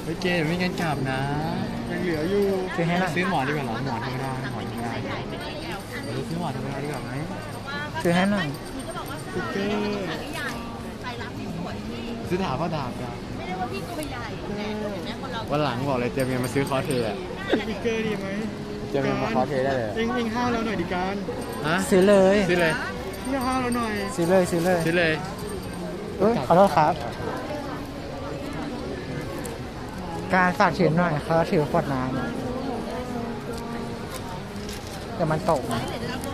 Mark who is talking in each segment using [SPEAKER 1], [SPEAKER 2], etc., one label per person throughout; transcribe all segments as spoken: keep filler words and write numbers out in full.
[SPEAKER 1] ฮ้ยเกมไม่งั้นกลับนะยังเหลืออยู่ซื้อให้ซื้อหมอนดีกว่าหรอหมอนธรรมดาหมอนธรรมดาเราซื้อหมอนธรรมดาดีกว่าไหม
[SPEAKER 2] ซื้อให้หน่อย
[SPEAKER 1] ติ๊กเกอร์ซื้อดาบก็ดาบกัน
[SPEAKER 3] ไม่ได้ว่าพี่ตัวใหญ่แต่เห็นไหมคนเรา
[SPEAKER 1] วันหลังบอกเลยเตรียมเงินมาซื้อคอสเพลย์อะ
[SPEAKER 4] ติ๊กเกอร์ดีไหม
[SPEAKER 1] เตรียมเงินมาคอสเพลย์ได้เลย
[SPEAKER 4] เองเองห้าวเราหน่อยดิการ
[SPEAKER 1] ฮะ
[SPEAKER 2] ซื้อเลย
[SPEAKER 1] ซื้อเลย
[SPEAKER 4] พี่ห้าวเราหน่อย
[SPEAKER 2] ซื้อเลยซื้อเลย
[SPEAKER 1] ซื้อเลย
[SPEAKER 2] เอ้ยขอโทษครับการฝากถือหน่อยเขาถือขวดน้ำเดี๋ยวมันตกนะ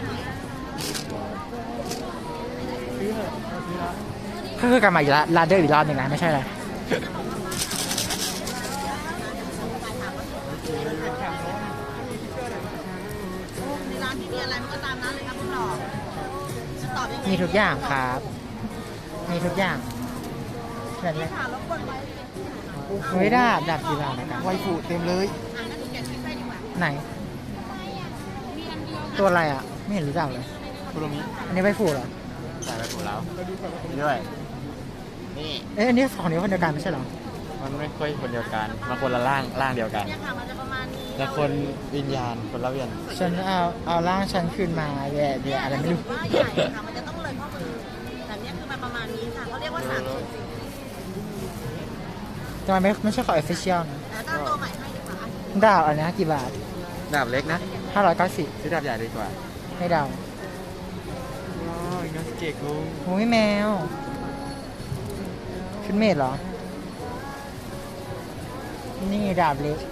[SPEAKER 2] ก็คือการมาอีกแล้วลาเดอร์อีกรอบหนึ่งนะไม่ใช่เลย
[SPEAKER 3] ร้านที่มีอะไรมันก็ตามนั้นเลยครับคุณหล่อจะตอบยังไง
[SPEAKER 2] มีทุกอย่างครับมีทุกอย่างเห็นไหม
[SPEAKER 3] ถามแล้วคนไว้
[SPEAKER 2] ไม่ได้ดับกีฬานะครับ
[SPEAKER 1] ไวฟูเต็มเลย
[SPEAKER 3] อ่านแล้วดูแกะชิ้นไปดีกว่า
[SPEAKER 2] ไหนตัวอะไรอ่ะไม่เห็นรู้จักเลย
[SPEAKER 1] คุโรมิ
[SPEAKER 2] อันนี้ใบฟูเหรอ
[SPEAKER 1] ใส่ไวฟูแล้วนี่ด้วยนี่
[SPEAKER 2] เอ๊ะอันนี้ของนี้คนเดียวกันไม่ใช่เหรอ
[SPEAKER 1] มันไม่ค่อยคนเดียวกันมาคนละร่างร่างเดียวกัน
[SPEAKER 3] เนี่ยค่ะมันจะประมาณนี้
[SPEAKER 1] แต่คนวิญญาณคนละเวียน
[SPEAKER 2] ฉันเอาเอาร่างฉันคืนมาแย่แย่อะไรไม่รู้
[SPEAKER 3] ว่าใหญ่ค่ะมันจะต้องเลยข้อมือแต่เนี้ยคือมันประมาณนี้ค่ะเขาเรียกว่าสามส่วนสี่
[SPEAKER 2] ทำไมไม่ไม่ใช่ของ official นะ
[SPEAKER 3] แต่ตั้งตัวใหม่ให้ดีกว่า
[SPEAKER 2] ดาวอันนี้กี่บาท
[SPEAKER 1] ดาบเล็กนะ
[SPEAKER 2] ห้าร้อยเก้าสิบ
[SPEAKER 1] ซื้อดาบใหญ่ดีกว่า
[SPEAKER 2] ให้ดาว
[SPEAKER 1] ว้าวนัสเกะคุง
[SPEAKER 2] โอ้ยแมวชุดเมดเหรอนี่ดาบเล็ก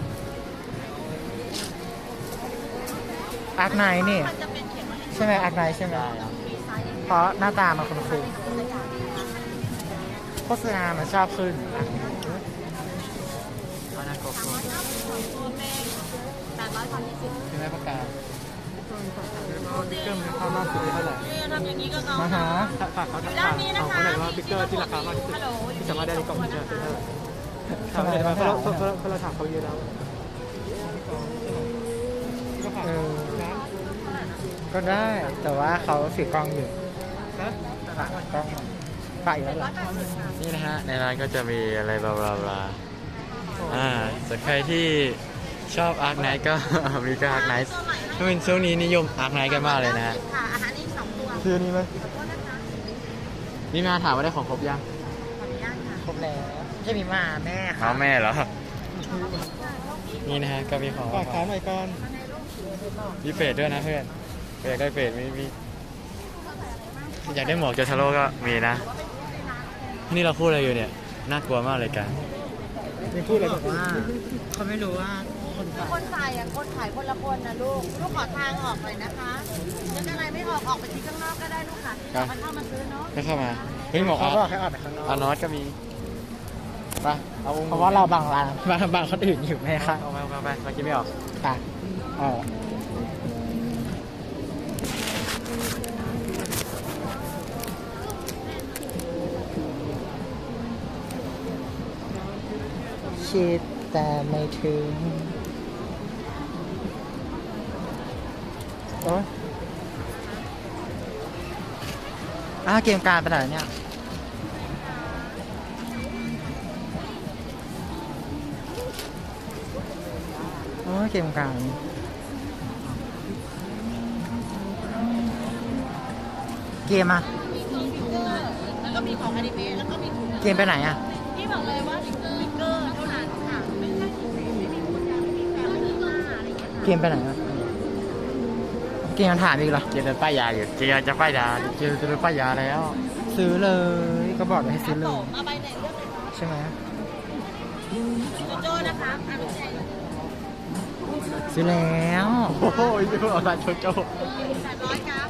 [SPEAKER 2] อาร์คไนท์นี่ใช่ไหมอาร์คไนท์ใช่ไหมเพราะหน้าตามันคุ้นๆโฆษณามันชอบขึ้น
[SPEAKER 1] อานาโกโก้
[SPEAKER 3] แปดร้อยพันยี่สิบ
[SPEAKER 1] ใช่ไหมปากกา
[SPEAKER 4] ติ๊กเกอร์มันค่ามากสุดเท่าไหร่
[SPEAKER 3] ทำอย่างนี้ก็เขา
[SPEAKER 2] มาหา
[SPEAKER 4] ฝากเขาถามเขาเขาไหนว่าติ๊กเกอร์ที่ราคามากที่สุดที่สามารถได้ในกล่องนี้เท่าไหร่ทำไมเพราะเราเพราะเราถามเขาเยอะแล้ว
[SPEAKER 2] เออก็ได้แต่ว่าเขาสีกล้องอยู่ฝากกล้องฝากอยู่แล้วหรอ
[SPEAKER 1] นี่นะฮะในร้านก็จะมีอะไรบลาบลาบลาอ่าส่วนใครที่ชอบอาร์คไนท์ก็มีก็อาร์คไนท์ช่วงช่วงนี้นิยมอาร์คไนท์กันมากเลยนะฮะ
[SPEAKER 3] ค่ะอาหารอีกสองตัว
[SPEAKER 1] ชื่อนี้ไหมนี่มาถามว่าได้ของครบยัง
[SPEAKER 2] ครบแล้วจะมีมาแม่
[SPEAKER 1] ค่ะแม่เหรอนี่นะฮะก็มีของ
[SPEAKER 4] ฝากถามหน่อยก่อน
[SPEAKER 1] มีเฟดด้วยนะเพื่อนอยากได้เฟดมีมีอยากได้หมวกโจทาโร่ก็มีนะนี่เราพูดอะไรอยู่เนี่ยน่ากลัวมากเลยกัน
[SPEAKER 4] มีพูดอะไร
[SPEAKER 2] บอกว่าเขาไม่รู้ว่า
[SPEAKER 3] คนคนใส่อะคนขายคนละคนนะลูกลูกขอทางออกเลยนะคะนึกอะไรไม่ออกออกไปที่ข้างนอกก็ได้ลูกค่ะมันเข้ามาซื้อเนาะ
[SPEAKER 1] ก็เข้ามาเฮ้ยหมวก
[SPEAKER 2] เขาบอกให้ออกไปข้างนอก
[SPEAKER 1] อานอสก็มีไปเอา
[SPEAKER 2] เพราะว่าเราบางร้านบางบางคนอื่นอยู่ไหมครับ
[SPEAKER 1] เอาไปเอาไปมากินไม่ออก
[SPEAKER 2] ไปอ๋อคิดแต่ไม่ถึงโอ้ยอ้าเกมการไปไหนเนี่ยโอ้ยเกมการเกมอะ
[SPEAKER 3] แล้วก็มีของอนิเมะแล้วก็มี
[SPEAKER 2] เกมไปไหนอะ
[SPEAKER 3] พี่บอกเลยว่าติ๊กเกอร์ติ๊กเกอร์เท่านั้นค่ะไม่ใช่ไม่มีคนยังไม่มีแฟนไม่มีมาอะไรอย่างเงี้ย
[SPEAKER 2] เกมไปไหนอะเกมยังถามอีกเหรอ
[SPEAKER 1] เกมจะป้ายยาอยู่เกมจะป้ายยาเกมจะป้ายยาแล้ว
[SPEAKER 2] ซื้อเลยก็บอกให้ซื้อเลย
[SPEAKER 3] มาใบไหนเลือกเลย
[SPEAKER 2] ใช่ไหม
[SPEAKER 3] โจโจ้นะคะ
[SPEAKER 2] ซื้อแล้ว
[SPEAKER 1] โอ้โหนี่คือเอาตาโจโจ้
[SPEAKER 3] แปดร้อยกรัม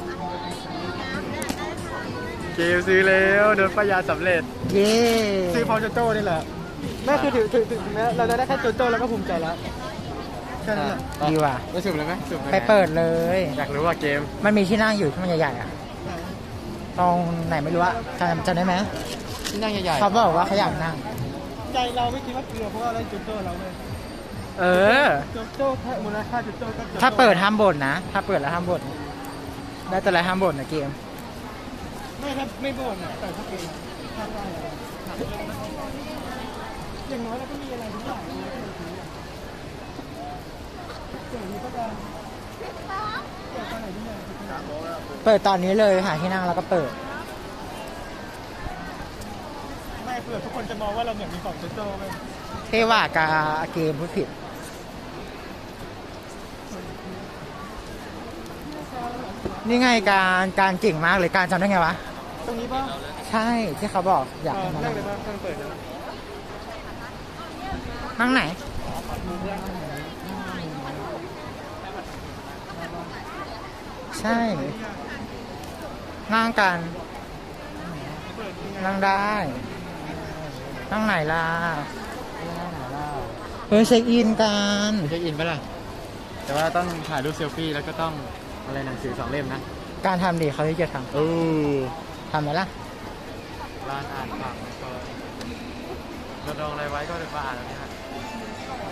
[SPEAKER 1] เกมซื้อแล้วโดนป้ายยาสำเร็จ
[SPEAKER 2] เย้
[SPEAKER 4] ซื้อพอโจโจ้นี่แหละแม่คือถือถือถึงแม้เราจะได้แค่โจโจ้แล้วก็ภูมิใจแล้วแค่นั้นแหละ
[SPEAKER 2] ดีว่ะ
[SPEAKER 1] ไปสุ่มเลยไหมสุ่ม
[SPEAKER 2] ไปเปิดเลย
[SPEAKER 1] อยากรู้ว่าเกม
[SPEAKER 2] มันมีที่นั่งอยู่ที่มันใหญ่ๆอ่ะตรงไหนไม่รู้อะจำจำได้ไหม
[SPEAKER 1] ที่นั่งใหญ่ๆ
[SPEAKER 2] เขาบอกว่าเขาอยากนั่ง
[SPEAKER 4] ใจเราไม่คิดว่าเกลือเพราะว่าอะไรโจโจ้เราเลย
[SPEAKER 2] เออ
[SPEAKER 4] โจโจ้แค่มูลค่าโจโจ้ก็
[SPEAKER 2] ถ้าเปิดห้ามบ่นนะถ้าเปิดแล้วห้ามบ่นได้แต่อะไรห้ามบ่นนะเกม
[SPEAKER 4] ไม่ถ้าไม่บ่นอ่ะแต่ถ้าเป็นถ้าได้
[SPEAKER 2] น
[SPEAKER 4] อย่างน้อยเราก็มีอะไรทุกอย่างเจ๋งก็จะ
[SPEAKER 2] เปิดตอนนี้เลยหาที่นั่งแล้วก็เปิด
[SPEAKER 4] ไม่เผื่อทุกคนจะมองว่าเราเหมือนมีของโจโจ้ไหม
[SPEAKER 2] เทว่ากาเกมพูดผิด นี่ไงการการเก่งมากเลยการจำได้ไงวะ
[SPEAKER 4] ตรงนี้ป่ะ
[SPEAKER 2] ใช่ที่เขาบอกอยากให้มา
[SPEAKER 4] แร
[SPEAKER 2] นั่
[SPEAKER 4] ก
[SPEAKER 2] ง
[SPEAKER 4] เลยป่ะตั้งเปิดนะ
[SPEAKER 2] นั่งไหน ใช่ นั่งกัน นั่งได้ นั่งไหนล่ะเฮ้ยเช็คอินกัน
[SPEAKER 1] เช็คอินปะล่ะ แต่ว่าต้องถ่ายรูปเซลฟี่แล้วก็ต้องอะไรหนังสือสองเล่มนะ
[SPEAKER 2] การทำดีเขาที่จะท
[SPEAKER 1] โอ้
[SPEAKER 2] ำทำไหมล่ะ
[SPEAKER 1] ร้านอ่านฝั่งก็เราดองอะไรไว้ก็เดี๋ยวมาอ่านแล้วเนี่ย